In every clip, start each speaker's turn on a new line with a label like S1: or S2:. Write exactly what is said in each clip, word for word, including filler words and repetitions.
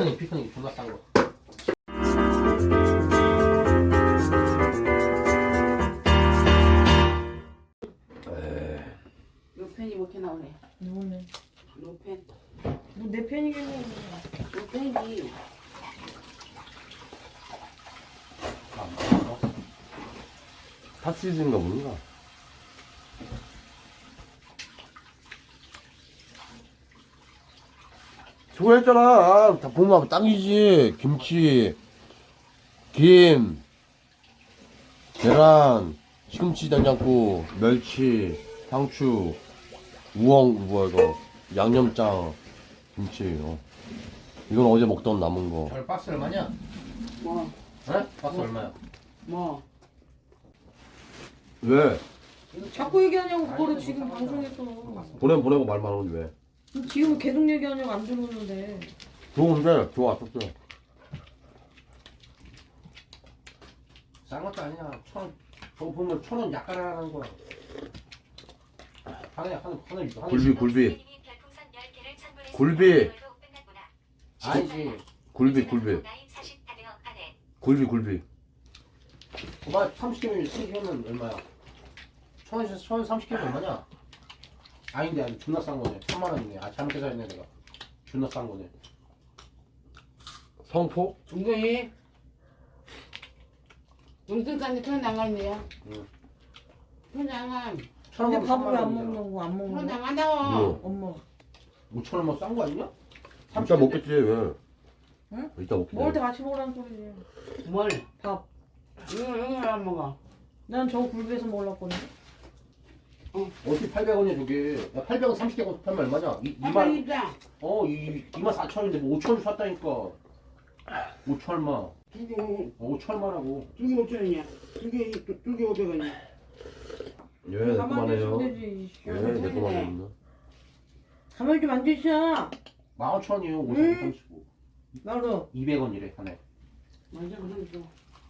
S1: 피크닉 피크닉 존나 싼 거.
S2: 노펜이 뭐 이렇게 나오네.
S3: 누구네?
S2: 노펜.
S3: 뭐내 팬이겠네.
S2: 노펜이.
S4: 핫시즌인가 뭔가. 수고했잖아. 다 보면 땅이지. 김치, 김, 계란, 시금치 된장국, 멸치, 상추, 우엉, 뭐야 이거, 양념장, 김치. 어. 이건 어제 먹던 남은 거.
S1: 저 박스 얼마냐?
S2: 뭐?
S1: 에? 박스 얼마야?
S2: 뭐?
S4: 왜?
S3: 자꾸 얘기하냐고 그거를
S1: 아니,
S3: 지금
S1: 못
S3: 방송에서.
S4: 보내 보내고 말만 하는데 왜?
S3: 지금 계속 얘기하냐고 안 들어오는데.
S4: 좋은데 좋았었어.
S1: 싼 것도 아니야. 천 원. 저거 보면 천 원 약간 하는 거야. 하나야 하나 하나 하나.
S4: 굴비 굴비 굴비
S1: 아니지.
S4: 굴비 굴비 굴비 굴비.
S1: 그만 삼십 개면 삼십 개면 얼마야? 천 원에서 천 원 삼십 개면 얼마냐? 아닌데 아니 존나 싼 거네. 천만 원이네. 아 잘못 계산했네 내가. 존나 싼 거네.
S4: 성포?
S2: 이거이. 우리 뜻까지 편 나가있네요.
S1: 응.
S2: 편 나가.
S1: 천
S3: 근데
S1: 원이면
S3: 밥을 왜 안
S1: 삼만 원이잖아.
S3: 먹는 거 안
S2: 편
S3: 먹는 거?
S2: 나간다고.
S4: 뭐?
S3: 엄마.
S1: 오천 원만 싼 거 아니냐?
S4: 이따 먹겠지 왜?
S3: 응?
S4: 이따 먹겠지.
S3: 먹을 때 같이 먹으라는 소리지.
S2: 뭘?
S3: 밥.
S2: 이거 이거 왜 안 먹어?
S3: 난 저거 굴비에서 먹으려거든.
S1: 어떻게 팔백 원이야 저게? 야 팔백 원 삼십 개 팔면 얼마냐? 이,
S2: 한번
S1: 이만
S2: 입자.
S1: 어 이, 이만 사천 원인데 뭐 오천 원 샀다니까. 오천 얼마?
S2: 두개
S1: 어, 오천 얼마라고?
S2: 두개 오천 원이야. 두개 두개 오백 원이야.
S4: 예, 내
S3: 가만히 있으면
S4: 거만해요.
S3: 되지.
S4: 예, 내 거만합니다.
S3: 가만히 좀 앉으셔.
S1: 만 오천 원이요. 오천
S3: 응?
S1: 삼십오.
S3: 나도.
S1: 이백 원이래 하나에.
S2: 먼저 그럼 줘.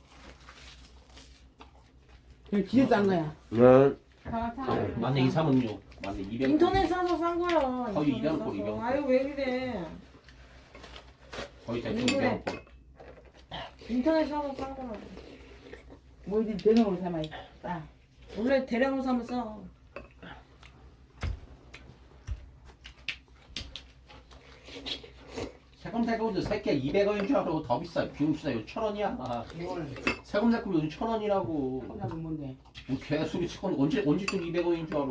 S2: 그래 진짜 싼 거야.
S4: 네.
S2: 사 사.
S1: 맞네 이삼은육. 맞네 이백 원.
S3: 인터넷 사서 산 거야.
S1: 거의
S3: 인터넷
S1: 이런
S3: 사서.
S1: 꼴, 이런 꼴.
S3: 아유 왜 이래.
S1: 거의 대충
S3: 인터넷.
S1: 이백 원.
S3: 인터넷 사서 산 거라고.
S2: 뭐 이제 대놓으로 삼아. 싸.
S3: 원래 대량으로 사면 싸.
S1: 세금 세금도 새끼야 이백 원인 줄 알아. 더 비싸. 비용치다 이거 천 원이야.
S2: 이걸
S1: 세금 세금 요즘 천 원이라고.
S2: 혼자면 뭔데?
S1: 뭐 개소리 치고 언제 언제쯤 이백 원인 줄 알아?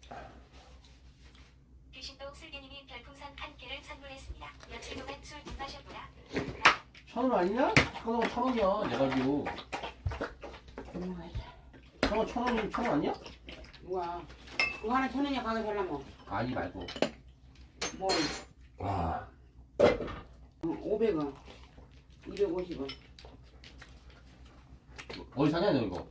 S5: 귀신동 슬기님이 별풍선 한 개를 선물했습니다. 며칠 동안 술 못 마셨구나.
S1: 천 원 아니냐? 잠깐만 천 원이야. 내가 지고
S2: 넘어가자.
S1: 잠깐 천 원이 천 원 아니야?
S2: 누가? 그거 하나 천 원이야 가게 살라면.
S1: 아니 말고.
S2: 뭐
S4: 와.
S2: 오백 원. 이백오십 원.
S1: 어디 사냐 너 이거?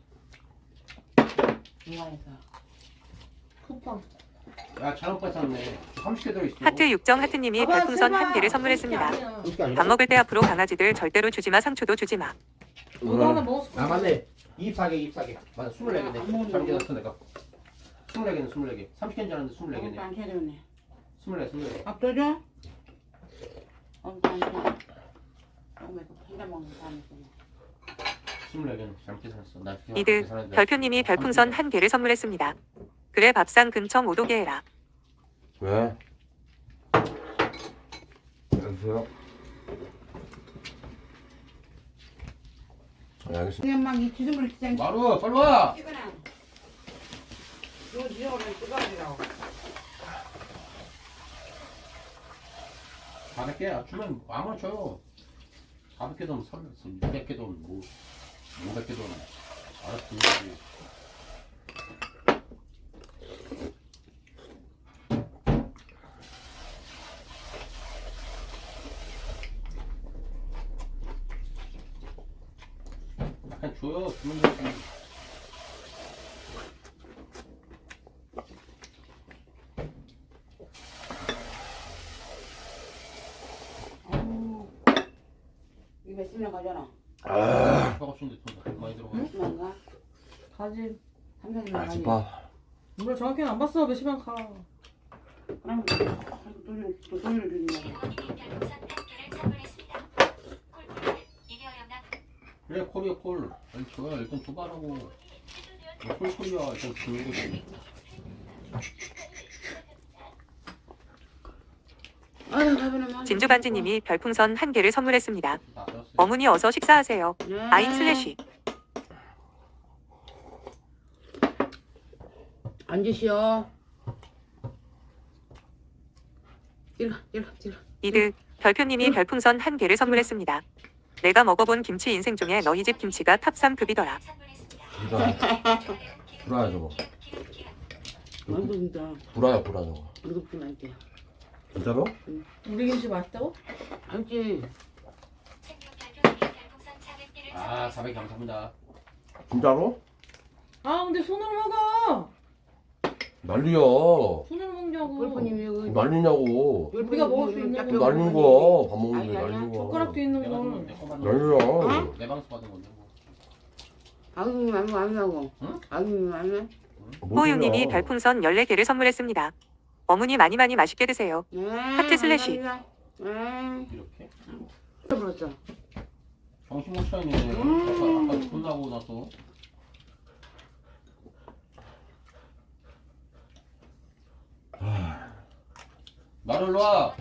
S2: 중간에서.
S3: 쿠팡.
S1: 야 잘못 봤었네. 삼십 개 들어있어.
S6: 하트 육정 하트님이
S3: 봐봐,
S6: 별풍선
S3: 세봐.
S6: 한 개를 선물했습니다.
S3: 그게 아니야.
S1: 그게 아니라?
S6: 밥 먹을 때 앞으로 강아지들 절대로 주지마 상추도 주지마.
S3: 너도 하나 먹었을 거야.
S1: 아 맞네. 이십사 개 이십사 개. 맞아 스물네
S2: 안
S1: 개네.
S2: 먹는
S1: 잘못
S2: 거.
S1: 계산했어 내가. 스물네 개는 스물네 개. 삼십 개인 줄 알았는데 스물네
S2: 아무것도
S1: 개네.
S2: 안 찾아오네.
S1: 스물네 스물네 개.
S2: 밥 떠줘? 아무것도 안 줘. 어머 이거 혼자 먹는 사람이 있구나.
S1: 스물네 개는 잘못 계산했어. 나 그냥
S6: 이드
S1: 계산했는데
S6: 별표님이 별풍선 한 개를 선물했습니다. 그래 밥상 근청 오도게 해라.
S4: 왜? 안녕하세요. 네, 알겠습니다.
S2: 그냥 막 이 지름을 시장
S1: 마루 빨리 와.
S2: 찍어놔. 이거 지름을 찍어주라고.
S1: 사백 개 주면 아무나 줘요. 사백 개든 삼백 개든 뭐 오백 개든 알아서 주지. 약간 줘요. 주면 되지.
S2: 아우 이거 몇십 명 가져라.
S4: 아,
S1: 저거 주는데 돈 많이 들어가.
S2: 몇십 명가?
S3: 가지.
S2: 삼십 명
S4: 아,
S2: 가지.
S4: 집밥.
S3: 몰라 정확히는 안 봤어. 몇시간 가.
S2: 그럼 돈을 돈을 주는 거야.
S5: 김원님이 별풍선 한 개를 선물했습니다.
S1: 콜이야 콜. 아니 줘야 일단 줘봐라고. 콜 콜이야 일단 주는 거지.
S2: 아유 가면은
S6: 진주반지님이 별풍선 한 개를 선물했습니다.
S1: 다 알았어요.
S6: 어머니 어서 식사하세요.
S2: 네.
S6: 아임 슬래시.
S2: 앉으시오. 이리 가, 이리 가, 이리 가.
S6: 이드 별표님이 별풍선 한 개를 선물했습니다. 내가 먹어본 김치 인생 중에 너희 집 김치가 탑 삼 급이더라.
S4: 불아. 불아야 저거.
S2: 아이고 진짜.
S4: 불아야 불아 저거.
S2: 우리도 그렇게 맛있대.
S4: 진짜로?
S3: 우리 김치 맛있다고?
S2: 알지?
S1: 아 사백 감사합니다.
S4: 진짜로?
S3: 아 근데 손으로 먹어.
S4: 난리야.
S3: 손으로 먹냐고.
S2: 골프님이 여기
S4: 난리냐고.
S3: 우리가 먹을 수 있는
S2: 짭짤
S3: 거.
S4: 난리인 거야. 밥 먹는데
S2: 아니, 아니야.
S4: 난리인 거야.
S3: 젓가락도 있는
S1: 내가 좀-
S3: 걸.
S1: 내 거만
S4: 난리야.
S1: 내 방수 받은 건데. 뭐.
S2: 아기님 아니고 아니라고.
S1: 응?
S2: 아기님 아니야?
S4: 뭔
S6: 호유님이
S4: 소리야.
S6: 별풍선 열네 개를 선물했습니다. 어머니 많이 많이 맛있게 드세요.
S2: 네.
S6: 하트 슬래시.
S2: 네.
S1: 이렇게.
S2: 불었어.
S1: 정신 못 차리네. 아까 아까 혼나고 나서. 나를 놔.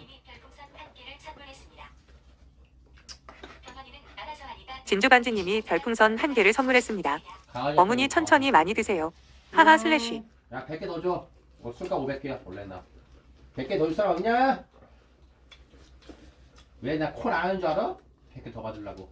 S6: 진주반지님이 별풍선 한 개를 선물했습니다.
S1: 강아지
S6: 어머니
S1: 앞에
S6: 천천히 많이 드세요. 하하 슬래시.
S1: 야 백 개 더 줘. 어, 술값 오백 개야 원래 나. 백 개 더 줄 사람 없냐? 왜 나 콜 안 하는 줄 알아? 백 개 더 받으려고.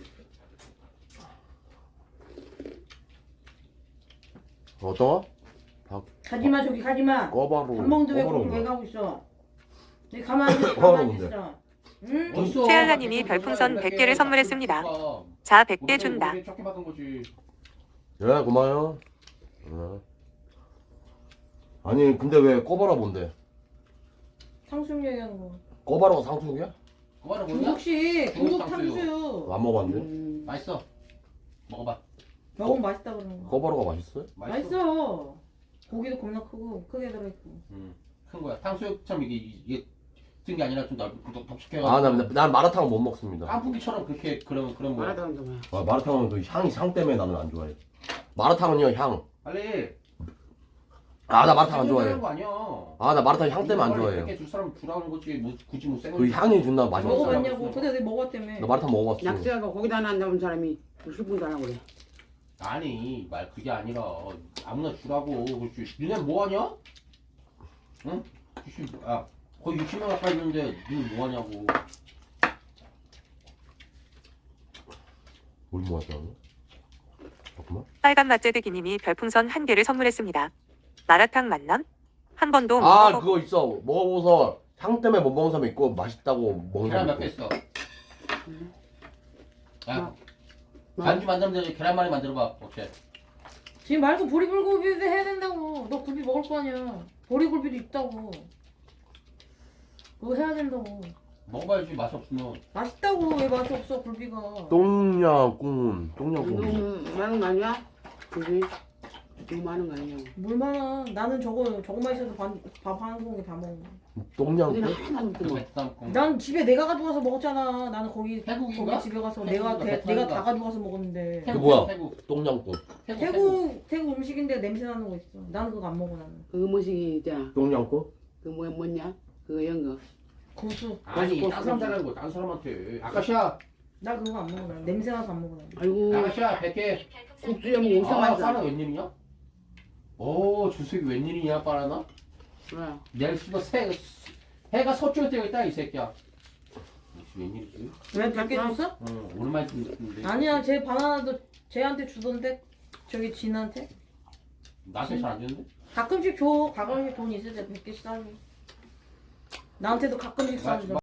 S4: 어떤 거?
S3: 가지마 저기 가지마.
S4: 꺼바로.
S3: 밥 먹는데 왜
S4: 꺼바로
S3: 거기 왜
S4: 그래.
S3: 가고 있어? 내 가만히 있어.
S4: 뭐하러
S3: 가만히
S4: 근데?
S3: 있어. 응?
S1: 어딨어?
S6: 최알라님이
S1: 백 개
S6: 별풍선
S1: 더
S6: 백
S1: 줘,
S6: 개를
S1: 백 개.
S6: 선물했습니다.
S1: 줘.
S6: 자 백 개
S1: 우리
S6: 준다.
S1: 우리 적게 받은 거지.
S4: 예 고마워요. 예. 아니 근데 왜 꺼바라 뭔데?
S3: 탕수육 얘기하는 거.
S4: 꺼바라가 상수육이야?
S1: 그거는 뭐냐?
S3: 중국식
S1: 중국
S3: 중국
S1: 탕수육.
S3: 탕수육.
S4: 안 먹어봤는데?
S2: 음.
S1: 맛있어. 먹어봐.
S3: 먹으면 맛있다 그러는 거.
S4: 꺼바라가 맛있어요?
S1: 맛있어.
S3: 맛있어. 고기도 겁나 크고 크게 들어있고.
S1: 음, 큰 거야. 탕수육처럼 이게 이게 뜬 게 아니라 좀 넓고 덥석해가지고.
S4: 아난 난 마라탕은 못 먹습니다.
S1: 깐풍기처럼 그렇게 그런 그런 거야.
S2: 말하다 한다 뭐야.
S4: 아, 마라탕은 그 향이 향 때문에 나는 안 좋아해. 마라탕은요 향.
S1: 빨리.
S4: 아 나 마라탕 안 좋아해.
S1: 생각하는 거 아니야.
S4: 아 나 마라탕 향 때문에 안 좋아해요.
S1: 이렇게 줄 사람 주라는 거지. 뭐 굳이 뭐 생을.
S4: 그 향이 존나 맛이 없어.
S3: 먹어봤냐고. 근데 내가 먹었다며.
S4: 나 마라탕 먹어봤어.
S2: 낙서하고 거기다 하나 안 잡은 사람이 십 분도 안 하고 그래.
S1: 아니 말 그게 아니라 아무나 주라고. 그렇지. 니네 뭐 하냐? 응? 씨, 아 거의 육십 명 가까이 있는데 니네 뭐 하냐고.
S4: 뭘 모았다고? 잠깐만.
S6: 빨간 맛제드기님이 별풍선 한 개를 선물했습니다. 마라탕 만남? 한 번도 못
S4: 아
S6: 먹어.
S4: 그거 있어. 먹어보서 향 때문에 못 먹는 사람 있고 맛있다고 먹는
S1: 계란
S4: 사람
S1: 몇 개
S4: 있고.
S1: 있어? 야
S2: 뭐?
S1: 반주 만들면 되지. 계란말이 만들어봐. 어때?
S3: 지금 말고 보리굴비도 해야 된다고. 너 굴비 먹을 거 아니야. 보리굴비도 있다고. 그거 해야 된다고.
S1: 먹어봐야지. 맛이 없으면.
S3: 맛있다고. 왜 맛이 없어 굴비가.
S4: 똥냥꿍. 똥냥꿍.
S2: 너무 많은 거 아니야? 그지? 너무 많은 거 아니냐고.
S3: 물 많아. 나는 저거 저거만 있어도 밥 한 공기 다 먹어.
S4: 똥냥꿍?
S2: 우리는 하나도 없고.
S1: 그 베트남 콩.
S3: 난 집에 내가 가져가서 먹었잖아. 나는 거기
S1: 태국인가?
S3: 거기 집에 가서
S1: 태국인가?
S3: 내가 대, 내가
S1: 베트남인가?
S3: 다 가져가서 먹었는데.
S4: 그 뭐야?
S1: 태국.
S4: 똥냥꿍.
S1: 태국. 태국.
S3: 태국 태국 음식인데 냄새 나는 거 있어. 나는 그거 안 먹어 나는.
S2: 그 뭐시 있잖아.
S4: 똥냥꿍?
S2: 그 뭐야 뭐냐? 그거 연 거.
S3: 고수.
S1: 아니
S2: 고수,
S1: 딴 사람 잘하는 거. 딴 사람한테. 아까시야.
S3: 나 그거 안 먹어 나는. 냄새 나서 안 먹어 나는.
S2: 아이고
S1: 아가씨야 백 개.
S2: 국수에 뭐 엄청
S1: 아,
S2: 맛있어.
S1: 빠라 웬일이냐? 오, 주석이 웬일이냐, 빠라나?
S2: 뭐야?
S1: 내일 씨발 새 해가 서쪽에 뜨고 있다 이 새끼야. 이씨, 웬일이지?
S3: 왜 백 개 줬어?
S1: 응, 오랜만에 듣는데.
S3: 아니야 제 바나나도 쟤한테 주던데. 저기 진한테.
S1: 나한테 잘 안 주는데?
S3: 가끔씩 줘. 가끔씩 돈 있을 때 백 개씩 싸줘. 나한테도 가끔씩 싸줘.